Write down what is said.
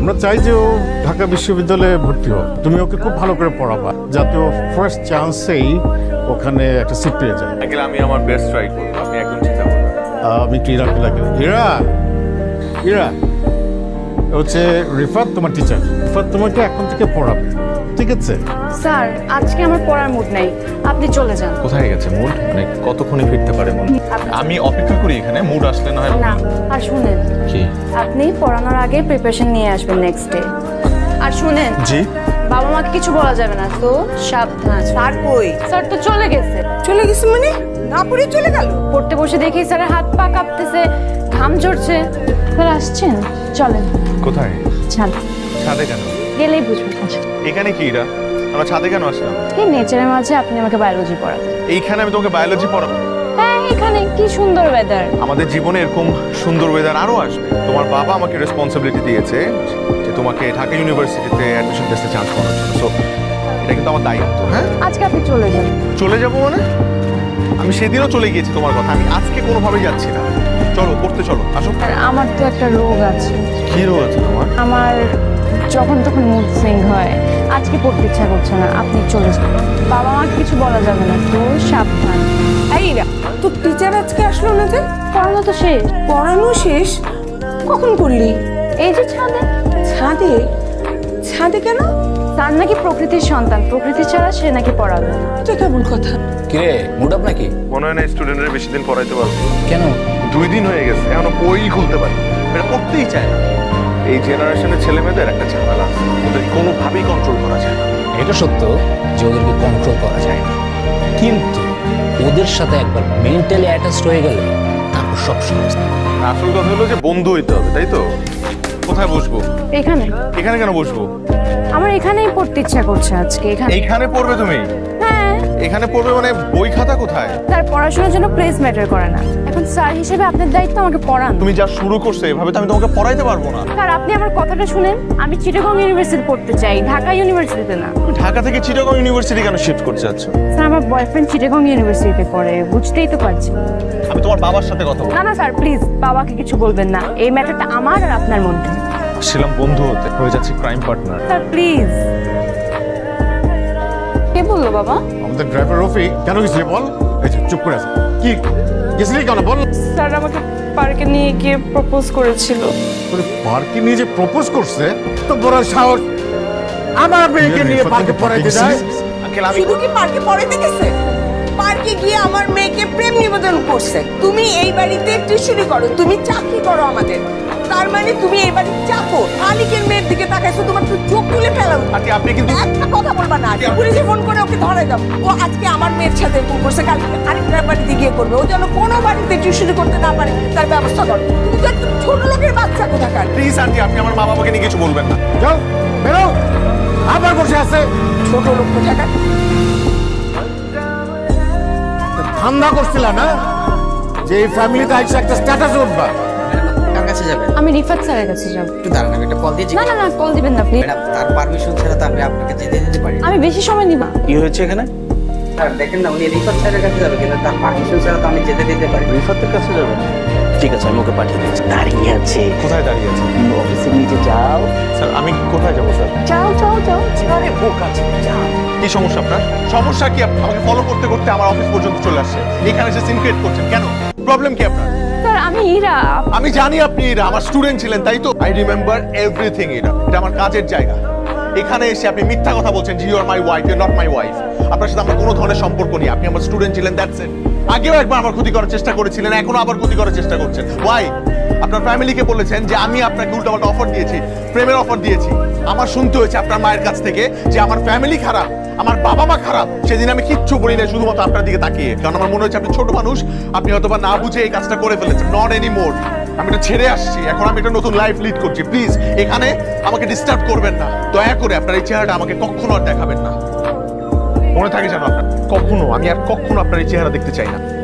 আমরা চাই যে ও ঢাকা বিশ্ববিদ্যালয়ে ভর্তি হোক। তুমি ওকে খুব ভালো করে পড়াবা যাতে ও ফার্স্ট চান্সেই ওখানে একটা সিট পেয়ে যায়। আঙ্কেল আমি আমার বেস্ট ট্রাই করবো, আপনি একদম চিন্তা করবেন না। আমি একটু ইরাকে লাগে। ইরা ইরা হচ্ছে রিফাত, তোমার টিচার। রিফাত তোমাকে এখন থেকে পড়াবে, ঠিক আছে? স্যার আজকে আমার পড়ার মুড নাই, আপনি চলে যান। কোথায় গেছে মুড? মানে কতক্ষণে ফিরতে পারে মুড? আমি অপেক্ষা করি এখানে, মুড আসলে না হয়। না আর শুনেন, কি? আপনি পড়ানোর আগে প্রিপারেশন নিয়ে আসবেন নেক্সট ডে। আর শুনেন, জি বাবা মাকে কিছু বলা যাবে না, তো সাবধান। স্যার কই? স্যার তো চলে গেছে। চলে গেছে মানে? না পড়ে চলে গেল? পড়তে বসে দেখি স্যারের হাত পা কাঁপতেছে, ঘাম ঝরছে। স্যার আসছেন, চলেন। কোথায়? ছাদ ছাদে কেন? গেলেই বুঝবেন। এখানে কি এরা? আমরা ছাদে কেন আসলাম? এই নেচারের মাঝে আপনি আমাকে বায়োলজি পড়াবেন। এইখানে আমি তোমাকে বায়োলজি পড়াবো? হ্যাঁ, এখানে কি সুন্দর ওয়েদার। আমাদের জীবনে এরকম সুন্দর ওয়েদার আরো আসবে। তোমার বাবা আমাকে রেসপন্সিবিলিটি দিয়েছে যে তোমাকে ঢাকা ইউনিভার্সিটিতে অ্যাডমিশন টেস্টে চান্স করার জন্য। সো এটা কিন্তু আমার দায়িত্ব। হ্যাঁ, আজকে আপনি চলে যান। চলে যাবো মানে? আমি সেদিনও চলে গিয়েছি তোমার কথা, আমি আজকে কোনোভাবেই যাচ্ছি না। চলো পড়তে চলো, আসো। আর আমার তো একটা রোগ আছে, কি রোগ আছে তোমার? আমার যখন তখন মুড সুইং হয়। আজকে পড়তে ইচ্ছা করছে না, আপনি চলে যান। বাবা মাকে কিছু বলা যাবে না, তো সাবধান। এই রা, তোর টিচার আজকে আসলো না যে? পড়ানো তো শেষ। পড়ানো শেষ? কখন করলি? এই যে ছাদে। ছাদে? ছাদে কেন? তার নাকি প্রকৃতির সন্তান, প্রকৃতি ছাড়া সে নাকি পড়াবে না। এটা কেমন কথা? কিরে মুড আপ নাকি? মনে হয় না স্টুডেন্টরা বেশি দিন পড়াইতে পারবো। কেন? 2 দিন হয়ে গেছে, এখনো বই খুলতে পারি। এটা পড়তেই চায় না। এই জেনারেশনের ছেলে মেয়েদের একটা ঝামেলা আছে, ওদের কোনোভাবেই কন্ট্রোল করা যায় না। এটা সত্য যে ওদেরকে কন্ট্রোল করা যায় না, কিন্তু ওদের সাথে একবার মেন্টালি অ্যাটাচড হয়ে গেলে তারপর সব সমস্যা। আসল কথা হলো যে বন্ধু হইতে হবে, তাই তো? কোথায় বসবো? এখানে। এখানে কেন বসবো? আমার এখানেই পড়তে ইচ্ছা করছে আজকে। এখানে। এইখানে পড়বে তুমি? হ্যাঁ। এখানে পড়বে মানে বই খাতা কোথায়? তার পড়াশোনার জন্য প্লেস ম্যাটার করে না। এখন স্যার হিসেবে আপনার দায়িত্ব আমাকে পড়ান। তুমি যা শুরু করছো এভাবে তো আমি তোমাকে পড়াইতে পারবো না। স্যার আপনি আমার কথাটা শুনেন, আমি চিটাগং ইউনিভার্সিটি পড়তে চাই, ঢাকা ইউনিভার্সিটিতে না। তুমি ঢাকা থেকে চিটাগং ইউনিভার্সিটি কেন শিফট করতে চাচ্ছ? স্যার আমার বয়ফ্রেন্ড চিটাগং ইউনিভার্সিটিতে পড়ে, বুঝতেই তো পারছি। আমি তোমার বাবার সাথে কথা বলবো। না না স্যার প্লিজ, বাবাকে কিছু বলবেন না। এই ম্যাটারটা আমার আর আপনার মধ্যে। ছিলাম বন্ধু হতে, হয়ে যাচ্ছে ক্রাইম পার্টনার। Sir please. কে বললো বাবা? আমাদের ড্রাইভার রফিক। কেন গেছিলি বল? এই যে চুপ করে আছে। কি গেছিলি কেন বল? স্যার আমাকে পার্কে নিয়ে গিয়ে প্রপোজ করেছিল। তোর পার্কে নিয়ে যে প্রপোজ করছে, তো বড় সাহস আমার মেয়েকে নিয়ে পার্কে পড়াইতে যায়। আঙ্কেল আমি শুধু কি পার্কে পড়াইতে গেছে? পার্কে গিয়ে আমার মেয়েকে প্রেম নিবেদন করছে। তুমি এই বাড়িতে টিউশনি করো, তুমি চাকরি করো আমাদের। তার মানে তুমি এই বাড়ির চাকর। মালিকের মেয়ের দিকে তাকাইছো, তোমার তো চোখ তুলে ফেলা উচিত। আন্টি আপনি কিন্তু একটা কথা বলবা না। পুলিশে ফোন করে ওকে ধরাই দাও। ও আজকে আমার মেয়ের সাথে এরকম করছে, কালকে আরেকটা বাড়িতে গিয়ে করবে। ও যেন কোনো বাড়িতে টিউশনি করতে না পারে, তার ব্যবস্থা করো। তুমি তো একটা ছোট লোকের বাচ্চা কোথাকার। প্লিজ আন্টি আপনি আমার মা বাবাকে নিয়ে কিছু বলবেন না। যাও বেরো, আবার বসে আছে। ছোট লোক কোথাকার। ধান্দা করছিল না যে এই ফ্যামিলিতে আইসা একটা স্ট্যাটাস উঠবা। কার কাছে যাবেন? আমি রিফাত স্যারের কাছে যাব। একটু দাঁড়ান, আমি একটা কল দিয়ে না না না, কল দিবেন না প্লিজ। ম্যাডাম, তার পারমিশন ছাড়া তো আমি আপনাকে যেতে দিতে পারি না। আমি বেশি সময় নিব না। কি হয়েছে এখানে? স্যার দেখেন না, উনি রিফাত স্যারের কাছে যাবে, কিন্তু তার পারমিশন ছাড়া তো আমি যেতে দিতে পারি না। রিফাতের কাছে যাবেন? ঠিক আছে, আমি ওকে পাঠিয়ে দিচ্ছি। দাঁড়িয়ে আছে, কোথায় দাঁড়িয়ে আছে? অফিসের নিচে যাও। স্যার আমি কোথায় যাবো স্যার? যাও যাও যাও। আরে বোকা আছে, যাও। কি সমস্যা আপনার? সমস্যা কি? আমাকে ফলো করতে করতে আমার অফিস পর্যন্ত চলে আসছে, এখানে এসে সিন ক্রিয়েট করছেন কেন? প্রবলেম কি আপনার? স্যার আমি ইরা। আমি জানি আপনি এরা আমার স্টুডেন্ট ছিলেন, তাই তো? I remember everything. এটা আমার কাজের জায়গা। এখানে এসে আপনি মিথ্যা কথা বলছেন যে you are my wife, you are not my wife. আপনার সাথে আমার কোনো ধরনের সম্পর্ক নেই। আপনি আমার স্টুডেন্ট ছিলেন, দ্যাটস ইট। আগেও একবার আমার ক্ষতি করার চেষ্টা করেছিলেন, এখনো আবার ক্ষতি করার চেষ্টা করছেন। ওয়াই? আপনার ফ্যামিলিকে বলেছেন যে আমি আপনাকে উল্টাপাল্টা অফার দিয়েছি, প্রেমের অফার দিয়েছি। আমার শুনতে হয়েছে আপনার মায়ের কাছ থেকে যে আমার ফ্যামিলি খারাপ, আমার বাবা মা খারাপ। সেদিন আমি কিচ্ছু বলি না, শুধুমাত্র আপনার দিকে তাকিয়ে, কারণ আমার মনে হচ্ছে আপনি ছোট মানুষ, আপনি হয়তোবা না বুঝে এই কাজটা করে ফেলেছেন। Not any more. আমি এটা ছেড়ে আসছি, এখন আমি একটা নতুন লাইফ লিড করছি। প্লিজ এখানে আমাকে ডিস্টার্ব করবেন না, দয়া করে। আপনার এই চেহারাটা আমাকে কখনো আর দেখাবেন না, মনে থাকে যেন আপনার। কখনো, আমি আর কখনো আপনার এই চেহারা দেখতে চাই না।